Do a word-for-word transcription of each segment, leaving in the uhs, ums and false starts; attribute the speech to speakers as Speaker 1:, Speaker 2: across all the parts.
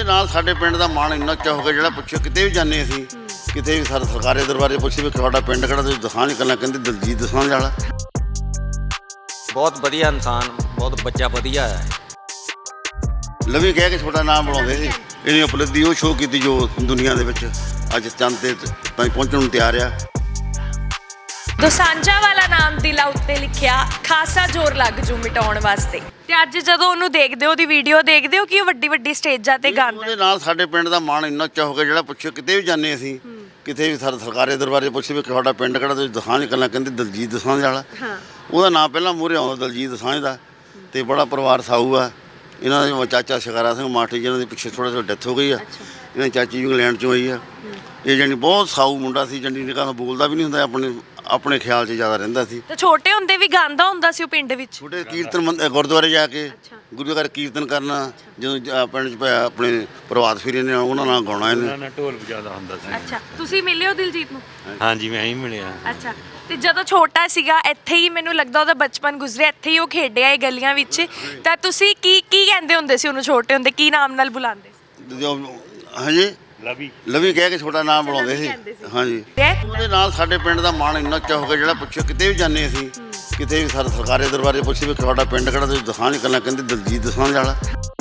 Speaker 1: ਨਾਲ ਸਾਡੇ ਪਿੰਡ ਦਾ ਮਾਣ ਇੰਨਾ ਉੱਚਾ ਹੋ ਗਿਆ, ਜਿਹੜਾ ਪੁੱਛੋ ਕਿਤੇ ਵੀ ਜਾਂਦੇ ਅਸੀਂ, ਕਿਤੇ ਵੀ ਸਰ ਸਰਕਾਰੀ ਦਰਬਾਰੇ ਪੁੱਛੇ ਵੀ ਤੁਹਾਡਾ ਪਿੰਡ ਕਿਹੜਾ, ਤੁਸੀਂ ਦਸਾਂਝ ਕਰਨਾ, ਕਹਿੰਦੇ ਦਲਜੀਤ ਦਸਾਂਝ ਵਾਲਾ।
Speaker 2: ਬਹੁਤ ਵਧੀਆ ਇਨਸਾਨ, ਬਹੁਤ ਬੱਚਾ ਵਧੀਆ ਹੈ।
Speaker 1: ਲਵੀ ਕਹਿ ਕੇ ਤੁਹਾਡਾ ਨਾਮ ਬਣਾਉਂਦੇ ਸੀ, ਇਹਦੀ ਉਪਲਬਧੀ ਉਹ ਸ਼ੋਅ ਕੀਤੀ ਜੋ ਦੁਨੀਆ ਦੇ ਵਿੱਚ ਅੱਜ ਚੰਦ ਤੇ ਤਾਈਂ ਪਹੁੰਚਣ ਨੂੰ ਤਿਆਰ ਆ।
Speaker 3: ਦੋਸਾਂਝਾ ਵਾਲਾ ਨਾਮ ਦਿਲਾਂ ਉੱਤੇ ਲਿਖਿਆ, ਖਾਸਾ ਜ਼ੋਰ ਲੱਗ ਜੂ ਮਿਟਾਉਣ ਵਾਸਤੇ। ਤੇ ਅੱਜ ਜਦੋਂ ਉਹਨੂੰ ਦੇਖਦੇ ਹੋ, ਉਹਦੀ ਵੀਡੀਓ ਦੇਖਦੇ ਹੋ ਕਿ ਉਹ ਵੱਡੀ ਵੱਡੀ ਸਟੇਜਾਂ ਤੇ ਗਾਉਂਦਾ।
Speaker 1: ਉਹਦੇ ਨਾਲ ਸਾਡੇ ਪਿੰਡ ਦਾ ਮਾਣ ਇੰਨਾ ਉੱਚਾ ਹੋ ਗਿਆ, ਜਿਹੜਾ ਪੁੱਛੋ ਕਿਤੇ ਵੀ ਜਾਂਦੇ ਅਸੀਂ, ਕਿਤੇ ਵੀ ਸਰ ਸਰਕਾਰੀ ਦਰਬਾਰੇ ਪੁੱਛੇ ਵੀ ਤੁਹਾਡਾ ਪਿੰਡ ਕਿਹੜਾ, ਤੁਸੀਂ ਦਸਾਂਝ ਕਰਨਾ, ਕਹਿੰਦੇ ਦਲਜੀਤ ਦਸਾਂਝ ਵਾਲਾ। ਉਹਦਾ ਨਾਂ ਪਹਿਲਾਂ ਮੂਹਰੇ ਆਉਂਦਾ ਦਲਜੀਤ ਦਸਾਂਝ ਦਾ। ਤੇ ਬੜਾ ਪਰਿਵਾਰ ਸਾਊ ਆ ਇਹਨਾਂ ਦਾ। ਚਾਚਾ ਸ਼ਿਕਾਰਾ ਸਿੰਘ ਮਾਠੀ ਜਿਹਨਾਂ ਦੇ ਪਿੱਛੇ ਥੋੜ੍ਹਾ ਥੋੜ੍ਹਾ ਡੈਥ ਹੋ ਗਈ ਆ, ਇਹਨਾਂ ਦੀ ਚਾਚੀ ਇੰਗਲੈਂਡ 'ਚੋਂ ਆਈ ਆ। ਇਹ ਜਾਨੀ ਬਹੁਤ ਸਾਊ ਮੁੰਡਾ ਸੀ, ਜੰਡੀ ਨਿਕਾਹ ਬੋਲਦਾ ਵੀ ਨਹੀਂ ਹੁੰਦਾ, ਆਪਣੇ ਆਪਣੇ ਖਿਆਲ 'ਚ ਜ਼ਿਆਦਾ ਰਹਿੰਦਾ ਸੀ।
Speaker 3: ਤੇ ਛੋਟੇ ਹੁੰਦੇ ਵੀ ਗਾਉਂਦਾ ਹੁੰਦਾ ਸੀ ਉਹ ਪਿੰਡ ਵਿੱਚ।
Speaker 1: ਛੋਟੇ ਕੀਰਤਨ ਮੰਦ ਗੁਰਦੁਆਰੇ ਜਾ ਕੇ ਗੁਰੂ ਘਰ ਕੀਰਤਨ ਕਰਨਾ, ਜਦੋਂ ਪਿੰਡ 'ਚ ਆਪਣੇ ਪ੍ਰਭਾਤ ਫੇਰੀ ਨੇ ਉਹਨਾਂ ਨਾਲ ਗਾਉਣਾ, ਇਹਨੇ
Speaker 4: ਢੋਲ ਵਜਾਉਂਦਾ ਹੁੰਦਾ ਸੀ।
Speaker 3: ਅੱਛਾ, ਤੁਸੀਂ ਮਿਲੇ ਹੋ ਦਿਲਜੀਤ ਨੂੰ?
Speaker 4: ਹਾਂਜੀ, ਮੈਂ ਹੀ ਮਿਲਿਆ।
Speaker 3: ਅੱਛਾ, ਤੇ ਜਦੋਂ ਛੋਟਾ ਸੀਗਾ ਇੱਥੇ ਹੀ ਮੈਨੂੰ ਲੱਗਦਾ ਉਹਦਾ ਬਚਪਨ ਗੁਜ਼ਰਿਆ, ਇੱਥੇ ਹੀ ਉਹ ਖੇਡਿਆ ਇਹ ਗਲੀਆਂ ਵਿੱਚ। ਤਾਂ ਤੁਸੀਂ ਕੀ ਕੀ ਕਹਿੰਦੇ ਹੁੰਦੇ ਸੀ ਉਹਨੂੰ ਛੋਟੇ ਹੁੰਦੇ, ਕੀ ਨਾਮ ਨਾਲ ਬੁਲਾਉਂਦੇ ਸੀ?
Speaker 1: ਹਾਂਜੀ,
Speaker 4: ਲਵੀ
Speaker 1: ਲਵੀ ਕਹਿ ਕੇ ਤੁਹਾਡਾ ਨਾਮ ਬਣਾਉਂਦੇ ਸੀ। ਹਾਂਜੀ, ਉਹਦੇ ਨਾਲ ਸਾਡੇ ਪਿੰਡ ਦਾ ਮਾਣ ਇੰਨਾ ਉੱਚਾ ਹੋ ਗਿਆ, ਜਿਹੜਾ ਪੁੱਛੋ ਕਿਤੇ ਵੀ ਜਾਂਦੇ ਅਸੀਂ, ਕਿਤੇ ਵੀ ਸਰ ਸਰਕਾਰੀ ਦਰਬਾਰੇ ਪੁੱਛੇ ਵੀ ਤੁਹਾਡਾ ਪਿੰਡ ਕਿਹੜਾ, ਤੁਸੀਂ ਦਸਾਂਝ ਕਰਨਾ, ਕਹਿੰਦੇ ਦਲਜੀਤ ਦਸਾਂਝ ਵਾਲਾ।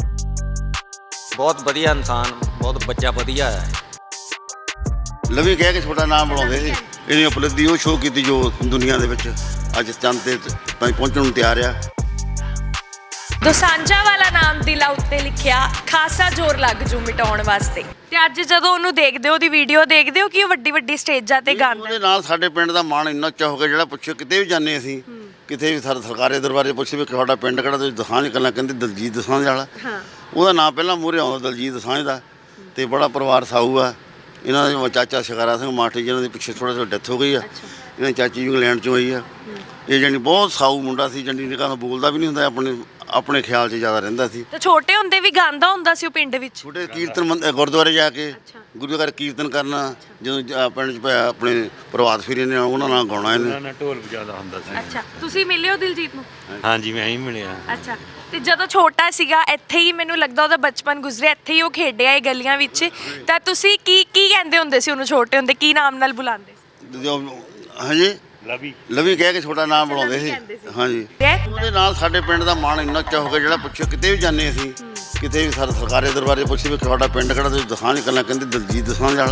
Speaker 2: ਬਹੁਤ ਵਧੀਆ ਇਨਸਾਨ, ਬਹੁਤ ਬੱਚਾ ਵਧੀਆ ਹੈ।
Speaker 1: ਲਵੀ ਕਹਿ ਕੇ ਤੁਹਾਡਾ ਨਾਮ ਬਣਾਉਂਦੇ ਸੀ, ਇਹਦੀ ਉਪਲਬਧੀ ਉਹ ਸ਼ੋਅ ਕੀਤੀ ਜੋ ਦੁਨੀਆ ਦੇ ਵਿੱਚ ਅੱਜ ਚੰਦ ਤੇ ਤਾਈਂ ਪਹੁੰਚਣ ਨੂੰ ਤਿਆਰ ਆ।
Speaker 3: ਦੋਸਾਂਝਾ ਵਾਲਾ ਨਾਮ ਦਿਲਾਂ ਉੱਤੇ ਲਿਖਿਆ, ਖਾਸਾ ਜ਼ੋਰ ਲੱਗ ਜੂ ਮਿਟਾਉਣ ਵਾਸਤੇ। ਤੇ ਅੱਜ ਜਦੋਂ ਉਹਨੂੰ ਦੇਖਦੇ ਹੋ, ਉਹਦੀ ਵੀਡੀਓ ਦੇਖਦੇ ਹੋ ਕਿ ਉਹ ਵੱਡੀ ਵੱਡੀ ਸਟੇਜਾਂ ਤੇ ਗਾਉਂਦਾ।
Speaker 1: ਉਹਦੇ ਨਾਲ ਸਾਡੇ ਪਿੰਡ ਦਾ ਮਾਣ ਇੰਨਾ ਉੱਚਾ ਹੋ ਗਿਆ, ਜਿਹੜਾ ਪੁੱਛੋ ਕਿਤੇ ਵੀ ਜਾਂਦੇ ਅਸੀਂ, ਕਿਤੇ ਵੀ ਸਰ ਸਰਕਾਰੀ ਦਰਬਾਰੇ ਪੁੱਛੇ ਵੀ ਤੁਹਾਡਾ ਪਿੰਡ ਕਿਹੜਾ, ਤੁਸੀਂ ਦਸਾਂਝ ਕਰਨਾ, ਕਹਿੰਦੇ ਦਲਜੀਤ ਦਸਾਂਝ ਵਾਲਾ। ਉਹਦਾ ਨਾਂ ਪਹਿਲਾਂ ਮੂਹਰੇ ਆਉਂਦਾ ਦਲਜੀਤ ਦਸਾਂਝ ਦਾ। ਤੇ ਬੜਾ ਪਰਿਵਾਰ ਸਾਊ ਆ ਇਹਨਾਂ ਦਾ। ਚਾਚਾ ਸ਼ਿਕਾਰਾ ਸਿੰਘ ਮਾਠੀ ਜਿਹਨਾਂ ਦੇ ਪਿੱਛੇ ਥੋੜ੍ਹਾ ਥੋੜ੍ਹਾ ਡੈਥ ਹੋ ਗਈ ਆ, ਇਹਨਾਂ ਦੀ ਚਾਚੀ ਇੰਗਲੈਂਡ 'ਚੋਂ ਆਈ ਆ। ਇਹ ਜਾਨੀ ਬਹੁਤ ਸਾਊ ਮੁੰਡਾ ਸੀ, ਜੰਡੀ ਨਿਕਾਹ ਬੋਲਦਾ ਵੀ ਨਹੀਂ ਹੁੰਦਾ, ਆਪਣੇ ਆਪਣੇ ਖਿਆਲ 'ਚ ਜ਼ਿਆਦਾ ਰਹਿੰਦਾ ਸੀ।
Speaker 3: ਤੇ ਛੋਟੇ ਹੁੰਦੇ ਵੀ ਗਾਉਂਦਾ ਹੁੰਦਾ ਸੀ ਉਹ ਪਿੰਡ ਵਿੱਚ।
Speaker 1: ਛੋਟੇ ਕੀਰਤਨ ਮੰਦ ਗੁਰਦੁਆਰੇ ਜਾ ਕੇ ਗੁਰੂ ਘਰ ਕੀਰਤਨ ਕਰਨਾ, ਜਦੋਂ ਪਿੰਡ 'ਚ ਆਪਣੇ ਪ੍ਰਭਾਤ ਫੇਰੀ ਨੇ ਉਹਨਾਂ ਨਾਲ ਗਾਉਣਾ, ਇਹਨੇ
Speaker 4: ਢੋਲ ਵਜਾਉਂਦਾ ਹੁੰਦਾ ਸੀ।
Speaker 3: ਅੱਛਾ, ਤੁਸੀਂ ਮਿਲੇ ਹੋ ਦਿਲਜੀਤ ਨੂੰ?
Speaker 4: ਹਾਂਜੀ, ਮੈਂ ਹੀ ਮਿਲਿਆ।
Speaker 3: ਅੱਛਾ, ਤੇ ਜਦੋਂ ਛੋਟਾ ਸੀਗਾ ਇੱਥੇ ਹੀ ਮੈਨੂੰ ਲੱਗਦਾ ਉਹਦਾ ਬਚਪਨ ਗੁਜ਼ਰਿਆ, ਇੱਥੇ ਹੀ ਉਹ ਖੇਡਿਆ ਇਹ ਗਲੀਆਂ ਵਿੱਚ। ਤਾਂ ਤੁਸੀਂ ਕੀ ਕੀ ਕਹਿੰਦੇ ਹੁੰਦੇ ਸੀ ਉਹਨੂੰ ਛੋਟੇ ਹੁੰਦੇ, ਕੀ ਨਾਮ ਨਾਲ ਬੁਲਾਉਂਦੇ ਸੀ?
Speaker 1: ਹਾਂਜੀ,
Speaker 4: ਲਵੀ
Speaker 1: ਲਵੀ ਕਹਿ ਕੇ ਤੁਹਾਡਾ ਨਾਮ ਬਣਾਉਂਦੇ ਸੀ। ਹਾਂਜੀ, ਉਹਦੇ ਨਾਲ ਸਾਡੇ ਪਿੰਡ ਦਾ ਮਾਣ ਇੰਨਾ ਉੱਚਾ ਹੋ ਗਿਆ, ਜਿਹੜਾ ਪੁੱਛੋ ਕਿਤੇ ਵੀ ਜਾਂਦੇ ਅਸੀਂ, ਕਿਤੇ ਵੀ ਸਰ ਸਰਕਾਰੀ ਦਰਬਾਰੇ ਪੁੱਛੇ ਵੀ ਤੁਹਾਡਾ ਪਿੰਡ ਕਿਹੜਾ, ਤੁਸੀਂ ਦਸਾਂਝ ਕਰਨਾ, ਕਹਿੰਦੇ ਦਲਜੀਤ ਦਸਾਂਝ ਵਾਲਾ।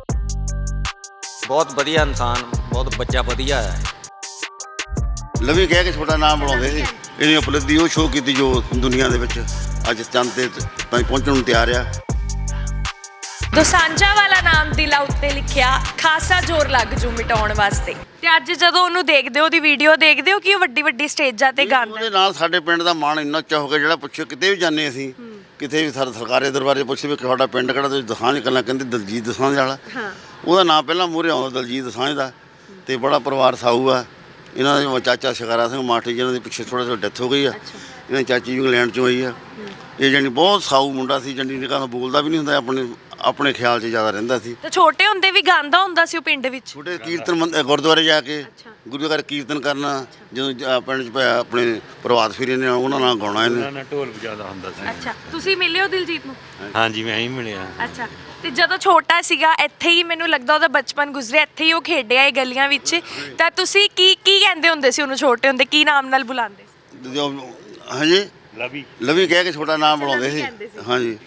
Speaker 2: ਬਹੁਤ ਵਧੀਆ ਇਨਸਾਨ, ਬਹੁਤ ਬੱਚਾ ਵਧੀਆ ਹੈ।
Speaker 1: ਲਵੀ ਕਹਿ ਕੇ ਤੁਹਾਡਾ ਨਾਮ ਬਣਾਉਂਦੇ ਸੀ, ਇਹਦੀ ਉਪਲਬਧੀ ਉਹ ਸ਼ੋਅ ਕੀਤੀ ਜੋ ਦੁਨੀਆ ਦੇ ਵਿੱਚ ਅੱਜ ਚੰਦ ਤੇ ਤਾਈਂ ਪਹੁੰਚਣ ਨੂੰ ਤਿਆਰ ਆ।
Speaker 3: ਦੋਸਾਂਝਾ ਵਾਲਾ ਨਾਮ ਦਿਲਾਂ ਉੱਤੇ ਲਿਖਿਆ, ਖਾਸਾ ਜ਼ੋਰ ਲੱਗ ਜੂ ਮਿਟਾਉਣ ਵਾਸਤੇ। ਤੇ ਅੱਜ ਜਦੋਂ ਉਹਨੂੰ ਦੇਖਦੇ ਹੋ, ਉਹਦੀ ਵੀਡੀਓ ਦੇਖਦੇ ਹੋ ਕਿ ਉਹ ਵੱਡੀ ਵੱਡੀ ਸਟੇਜਾਂ ਤੇ ਗਾਉਂਦਾ।
Speaker 1: ਉਹਦੇ ਨਾਲ ਸਾਡੇ ਪਿੰਡ ਦਾ ਮਾਣ ਇੰਨਾ ਉੱਚਾ ਹੋ ਗਿਆ, ਜਿਹੜਾ ਪੁੱਛੋ ਕਿਤੇ ਵੀ ਜਾਂਦੇ ਅਸੀਂ, ਕਿਤੇ ਵੀ ਸਰ ਸਰਕਾਰੀ ਦਰਬਾਰੇ ਪੁੱਛੇ ਵੀ ਤੁਹਾਡਾ ਪਿੰਡ ਕਿਹੜਾ, ਤੁਸੀਂ ਦਸਾਂਝ ਕਰਨਾ, ਕਹਿੰਦੇ ਦਲਜੀਤ ਦਸਾਂਝ ਵਾਲਾ। ਉਹਦਾ ਨਾਂ ਪਹਿਲਾਂ ਮੂਹਰੇ ਆਉਂਦਾ ਦਲਜੀਤ ਦਸਾਂਝ ਦਾ। ਤੇ ਬੜਾ ਪਰਿਵਾਰ ਸਾਊ ਆ ਇਹਨਾਂ ਦਾ। ਚਾਚਾ ਸ਼ਿਕਾਰਾ ਸਿੰਘ ਮਾਠੀ ਜਿਹਨਾਂ ਦੇ ਪਿੱਛੇ ਥੋੜ੍ਹਾ ਥੋੜ੍ਹਾ ਡੈਥ ਹੋ ਗਈ ਆ, ਇਹਨਾਂ ਦੀ ਚਾਚੀ ਇੰਗਲੈਂਡ 'ਚੋਂ ਆਈ ਆ। ਇਹ ਜਾਨੀ ਬਹੁਤ ਸਾਊ ਮੁੰਡਾ ਸੀ, ਜੰਡੀ ਨਿਕਾਹ ਬੋਲਦਾ ਵੀ ਨਹੀਂ ਹੁੰਦਾ, ਆਪਣੇ ਆਪਣੇ ਖਿਆਲ 'ਚ ਜ਼ਿਆਦਾ ਰਹਿੰਦਾ ਸੀ।
Speaker 3: ਤੇ ਛੋਟੇ ਹੁੰਦੇ ਵੀ ਗਾਉਂਦਾ ਹੁੰਦਾ ਸੀ ਉਹ ਪਿੰਡ ਵਿੱਚ।
Speaker 1: ਛੋਟੇ ਕੀਰਤਨ ਮੰਦ ਗੁਰਦੁਆਰੇ ਜਾ ਕੇ ਗੁਰੂ ਘਰ ਕੀਰਤਨ ਕਰਨਾ, ਜਦੋਂ ਪਿੰਡ 'ਚ ਆਪਣੇ ਪ੍ਰਭਾਤ ਫੇਰੀ ਨੇ ਉਹਨਾਂ ਨਾਲ ਗਾਉਣਾ, ਇਹਨੇ
Speaker 4: ਢੋਲ ਵਜਾਉਂਦਾ ਹੁੰਦਾ ਸੀ।
Speaker 3: ਅੱਛਾ, ਤੁਸੀਂ ਮਿਲੇ ਹੋ ਦਿਲਜੀਤ ਨੂੰ?
Speaker 4: ਹਾਂਜੀ, ਮੈਂ ਹੀ ਮਿਲਿਆ।
Speaker 3: ਅੱਛਾ, ਤੇ ਜਦੋਂ ਛੋਟਾ ਸੀਗਾ ਇੱਥੇ ਹੀ ਮੈਨੂੰ ਲੱਗਦਾ ਉਹਦਾ ਬਚਪਨ ਗੁਜ਼ਰਿਆ, ਇੱਥੇ ਹੀ ਉਹ ਖੇਡਿਆ ਇਹ ਗਲੀਆਂ ਵਿੱਚ। ਤਾਂ ਤੁਸੀਂ ਕੀ ਕੀ ਕਹਿੰਦੇ ਹੁੰਦੇ ਸੀ ਉਹਨੂੰ ਛੋਟੇ ਹੁੰਦੇ, ਕੀ ਨਾਮ ਨਾਲ ਬੁਲਾਉਂਦੇ ਸੀ?
Speaker 1: ਹਾਂਜੀ,
Speaker 4: ਲਵੀ
Speaker 1: ਲਵੀ ਕਹਿ ਕੇ ਤੁਹਾਡਾ ਨਾਮ ਬਣਾਉਂਦੇ ਸੀ। ਹਾਂਜੀ।